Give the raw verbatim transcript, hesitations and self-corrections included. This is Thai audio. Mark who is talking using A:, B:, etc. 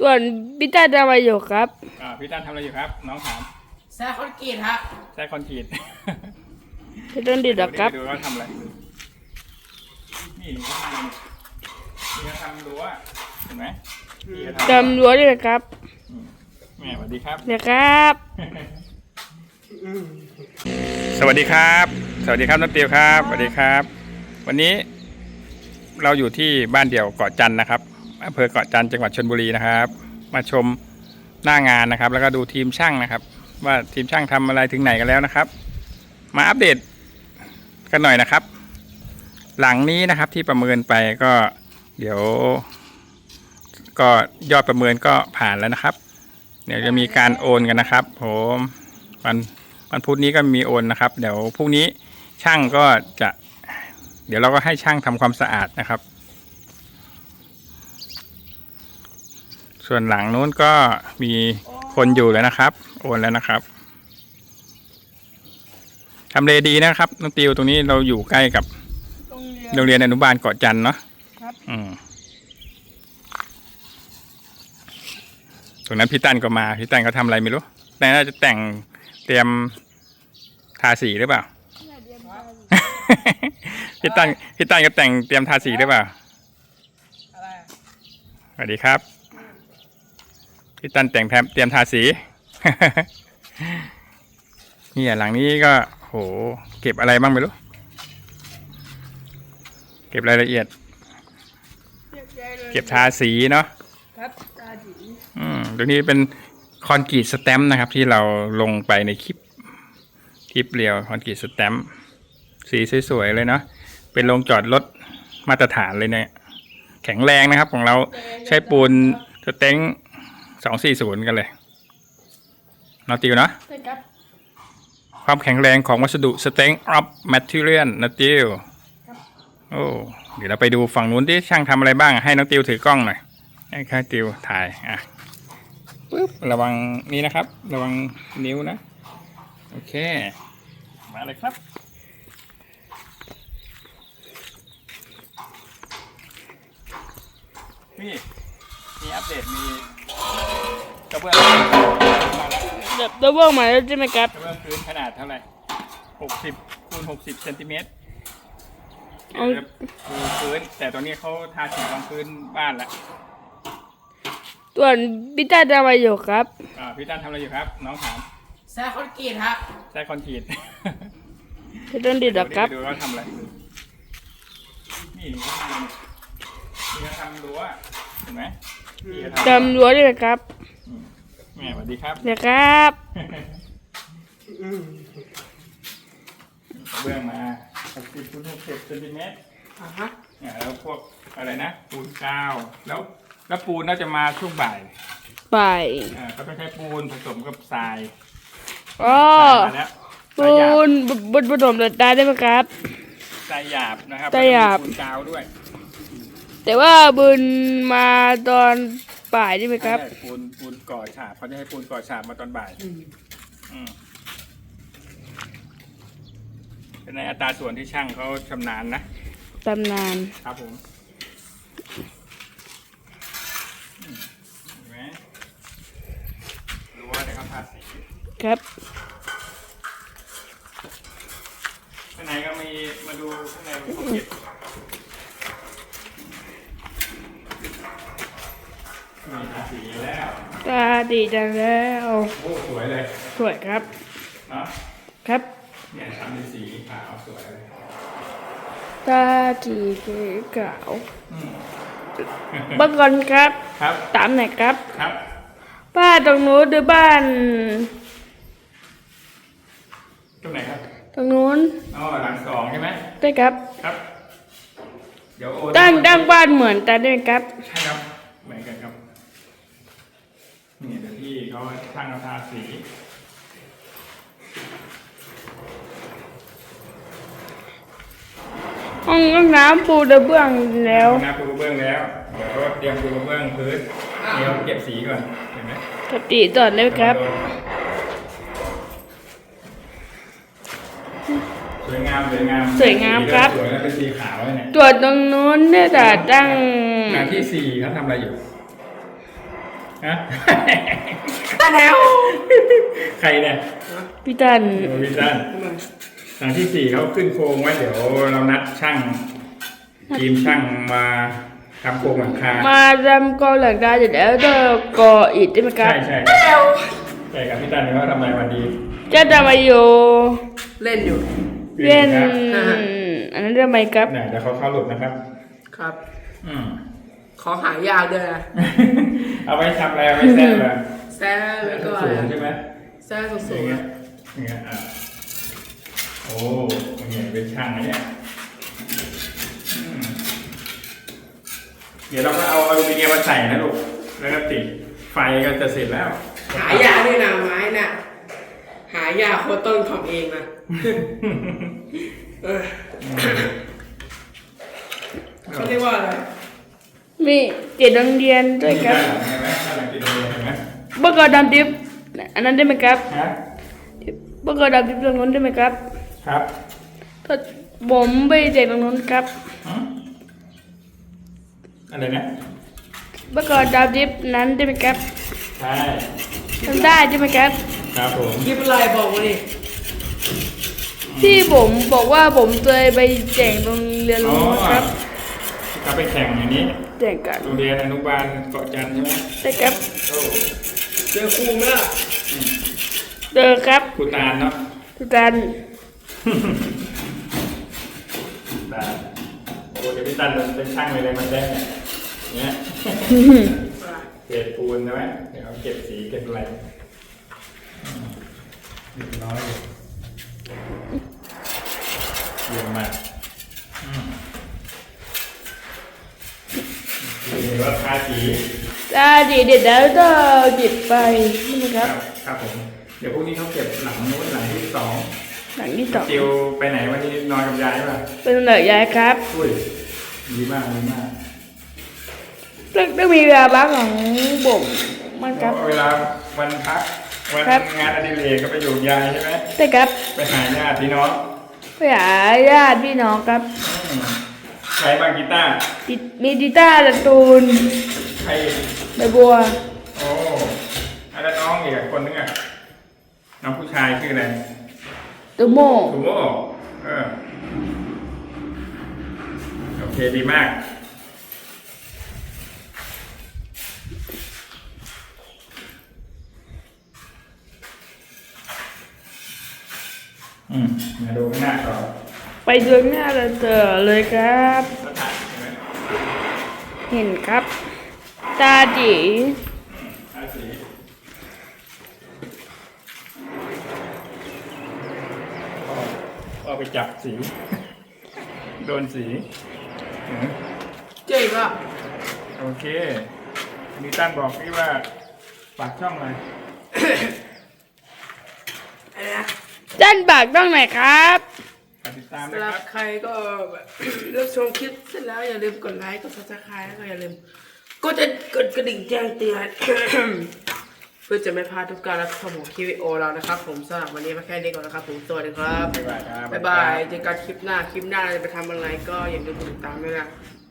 A: ส่วนพี่ต้าทำอะไรอยู่ครับ
B: อ่าพี่ตั้นทำอะไรอยู่ครับน้องถาม
C: แซ่คอนกรีตฮะ
B: ใช้คอนกรีต
A: พี่ต้นดีหรอครับ
B: ดูว่าทำอะไรนี่นี่เขาทำนี่เขาทำรั้วเห็นไหม
A: ทำรั้วด้วยครับ
B: แม่สวัสดีครับ
A: เดี๋ยวครับ
B: สวัสดีครับสวัสดีครับน้องเตียวครับสวัสดีครับ วันนี้เราอยู่ที่บ้านเดี่ยวเกาะจันทร์นะครับอำเภอเกาะจันทร์จังหวัดชลบุรีนะครับมาชมหน้างานนะครับแล้วก็ดูทีมช่างนะครับว่าทีมช่างทำอะไรถึงไหนกันแล้วนะครับมาอัปเดตกันหน่อยนะครับ หลังนี้นะครับที่ประเมินไปก็เดี๋ยวก็ยอดประเมินก็ผ่านแล้วนะครับเดี๋ยวจะมีการโอนกันนะครับผมวันวันพุธนี้ก็มีโอนนะครับเดี๋ยวพรุ่งนี้ช่างก็จะเดี๋ยวเราก็ให้ช่างทำความสะอาดนะครับส่วนหลังนู้นก็มีคนอยู่แล้วนะครับโอนแล้วนะครับทำเลดีนะครับน้องติวตรงนี้เราอยู่ใกล้กับโรงเรียนอนุบาลเกาะจันทร์เนาะครับอืมตรงนั้นพี่ตั้นก็มาพี่ตั้นเขาทำอะไรไม่รู้แต่น่าจะแต่งเตรียมทาสีหรือเปล่า พี่ตั้นพี่ตั้นก็แต่งเตรียมทาสีหรือเปล่าสวัสดีครับพี่ตั้นแต่งเตรียมทาสีนี่หลังนี้ก็โหเก็บอะไรบ้างไม่รู้เก็บรายละเอียดเก็บทาสีเนาะครับทาสีอืมตรงนี้เป็นคอนกรีตสแตมป์นะครับที่เราลงไปในคลิปคลิปเรียวคอนกรีตสแตมป์สีสวยๆเลยเนาะเป็นโรงจอดรถมาตรฐานเลยเนี่ยแข็งแรงนะครับของเราใช้ปูนสเต็งสองสี่ศูนย์กันเลยนอติวเนาะความแข็งแรงของวัสดุสเต็งออฟแมทเทียลนอติวโอ้เดี๋ยวเราไปดูฝั่งนู้นที่ช่างทำอะไรบ้างให้น้องติวถือกล้องหน่อยให้ข้าติวถ่ายอ่ะปึ๊บระวังนี้นะครับระวังนิ้วนะโอเคมาเลยครับนี่มีอัปเดตมีกระเบื้องมาแล้ว
A: ดับเบิลมาแล้วใช่ไหมครับ
B: กระเบื้องพื้นขนาดเท่าไหร่หกสิบคูณหกสิบเซนติเมตรปูพื้นแต่ตอนนี้เขาทาสีรองพื้นบ้านแล้ว
A: ส่วนพี่ต้าทำอะไรอยู่ครับ
B: อ่าพี่ตั้นทำอะไรอยู่ครับน้องถาม
C: แซ่คอนกรีตฮะ
B: ใช้คอนกรีต
A: พี่ต้นดีหรอครับ
B: ดูว่าทำอะไรนี่นี่เขาทำนี่เขาทำรั้วเห็นไหม
A: ทำรั้วด้วยครับ
B: แม่สวัสดีครับ
A: เดี๋ยวครับ
B: เบื้องมาหกสิบคูณหกสิบเซนติเมตรอ่าฮะเนี่ยแล้วพวกอะไรนะปูนกาวแล้วแล้วปูนน่าจะมาช่วงบ่าย
A: บ่าย
B: อ่าก็ต้องใช้ปูนผสมกับทราย
A: อ๋อปูนบนผสมเหล็กได้ได้ไหมครับ
B: ทรายหยาบนะครับ
A: ทรายหยาบ
B: ปูนกาวด้วย
A: แต่ว่าบุญมาตอนบ่ายได้ไหมครับ
B: ปูนปูนก่อฉาบเขาจะให้ปูนก่อฉาบมาตอนบ่ายอืมเป็นในอัตราส่วนที่ช่างเขาชำนาญนะ
A: ชำนาญ
B: ครับผมเห็นไหมรู้ว่าแต่เขาทาสี
A: ครับ
B: ข้างในก็มีมาดูข้างในเขาเก็บมีทาสีแล้ว
A: ตาดีจังแล้ว
B: โอ้สวยเลย
A: สวยครับ
B: เนาะ
A: ครับ
B: เนี่ยทำเป็นสีขาวสวยเลย
A: ตาดีขาวบ้านก่อนครับ
B: ครับ
A: ตามไหนครับ
B: ครับ
A: บ้านตรงนู้นหรือบ้าน
B: ตรงไหนครับ
A: ตรงนู้น
B: อ๋อหลังสองใช่ไหม
A: ใช่ครับ
B: ครับเดี๋ยวโอน
A: ตั้งตั้งบ้านเหมือนกันด้วยครับ
B: ใช่ครับเหมือนกันครับนี่เดี๋ยวพี่เขาช่างทาสี
A: ห้องห้องน้ำปูกระเบื้องแล้ว
B: ห้องน้ำปูกระเบื้องแล้วเดี๋ยวก็เตรียมปูกระเบื้องพื้นเดี๋ยวเก็บสีก่อนเห็นไหม
A: ปกติต่อเลยครับ
B: สวยงามสวยงาม
A: สวยงามครับ
B: สวยแล้วเป็นสีขาวเนี่ย
A: ตัวตรงนู้นเนี่ยแต่ตั้ง
B: งานที่สี่เขาทำอะไรอยู่ฮะ
C: ตาแถว
B: ใครเนี่ย
A: พี่ตัน
B: โอ้พี่ตันหลังที่สี่เขาขึ้นโครงไว้เดี๋ยวเรานัดช่างทีมช่างมาทำโครงหลังคา
A: มาทำกอหลังคาเสร็จแล้วก็ก่ออิฐได้ไหมครั
B: ใช่
A: บ
B: ใช่ครับใช่ครับพี่ตันว่าทำไมวันดี
A: จะทำไมอยู่
C: เล่นอยู่
A: เล่น
B: ครับ
A: อันนั้นทำไมครับ
B: เนี่ยเดี๋ยวเขาเข้าหลุดนะครับ
C: ครับ
B: อืม
C: ขอหายากด้วยนะ
B: เอาไว้ทำอะไรเอาไว้แซ่บเหรอ
C: แซ่แล้วก็
B: สูงใช่ไหม
C: แซ่สู
B: อย่าง
C: ง
B: เงี้ยอย่างเงี้ยอ่ะโอ้อย่างเงี้ยเป็นช่างนะเนี่ยอืมเดี๋ยวเราก็เอาอลูมิเนียมมาใส่นะลูกแล้วก็ติดไฟก็จะเสร็จแล้ว
C: ๆหายากด้วยนะไม้น่ะหายากโคตรต้นทำเองนะเออเขาเรียกว่าอะไร
A: มีเจ็ดโรงเรียนด้วยครับ
B: เห็นไหมข้างหลังติดโรงเรียนเห็นไหม
A: เมื่อก่อนดำดิบอันนั้นได้ไหมครับ
B: ฮะ
A: เมื่อก่อนดำดิบตรงนู้นได้ไหมครับ
B: ครับ
A: ถ้าผมไปเจ็ดตรงนู้นครับ
B: หืมอะไรนะ
A: เมื่อก่อนดำดิบนั้นได้ไหมครับ
B: ใช่
A: ทำได้ใช่ไหมครับ
B: ครับผม
C: คลิปอะไรบอกมาดิ
A: ที่ผมบอกว่าผมเคยไปแจกโรงเรียน
B: อ๋อ
A: นู้นครับ
B: ก็ไปแข่งอย่างนี้
A: แจกกัน
B: โรงเรียนอนุบาลเกาะจันทร์ใช่ไหม
A: ได้ครับ
B: โอ้
C: เจอครูไหมล่ะ
A: เจอครับ
B: ครูตาลเนาะ
A: ทุกท่าน
B: ตาลโอ้เดี๋ยวพี่ตันเป็นช่างเลยเลยมันได้เนี่ย เกล็ดปูนใช่ไหมเดี๋ยวเอาเก็บสีเก็บอะไรอืมเรียบร้อยเลยเยี่ยมมากอืมเห็นว่าทาสี
A: ตาดีเด็ดแล้วก็จิบไปใช่ไหมค
B: ค
A: รั
B: รับ บครับผมเดี๋ยวพรุ่งนี้เขาเก็บหลังนู้นหลังที่สอง
A: หลังที่สอง
B: จิวไปไหนวันนี้นอนกับยายป่ะ
A: เป็นเหนือยายครับ
B: อุ้ยดีมากดีมาก
A: ต้องต้องมีเวลาบ้างของผมมันครับ
B: เวลาวันพักวัน
A: ครับ
B: งานอดิเรกก็ไปอยู่กับยายใช่ไหม
A: ได้ครับ
B: ไปหาญาติพี่น้อง
A: ไปหาญาติพี่น้องครับ
B: อืมใครบ้างกีตาร์
A: ติดมีดิต้าร์การ์ตูน
B: ใคร
A: ใบบัว
B: โอ้อะแล้วน้องอีกคนนึงอ่ะน้องผู้ชายชื่ออะไร
A: ตูโม
B: ถูโม่เออโอเคดีมากอืมมาดูข้างหน้าต่อ
A: ไปดูหน้าเราเจอเลยครับ
B: สถานใช่ไหม
A: เห็นครับ ตาจี
B: ทาสีพ่อพ่อไปจับสี โดนสีอืม
C: เจ๊ก็
B: โอเคมีตั้นบอกพี่ว่าฝากช่องอะไร
C: อะไรนะ
A: ด้านปากต้องไหนครับ
B: ฝากติดตามนะ
C: สำห
B: ค
C: รั
B: รั
C: บบ ใครก็แบบรับชมคลิปเสร็จแล้วอย่าลืมกดไลค์กดซับสไครต์แล้วก็อย่าลืมก็จะกดกระดิ่งแจ้งเตือน เพื่อจะไม่พลาดทุกการรับชมของคลิปวิดีโอเรานะครับ ผมสำหรับวันนี้มาแค่นี้ก่อนนะครับผมสวัสดีครับ
B: บ๊ายบายครับ
C: บ๊ายบายเจอกันคลิปหน้าคลิปหน้าเราจะไปทำอะไรก็อย่าลืมกดติดตามด้วยนะ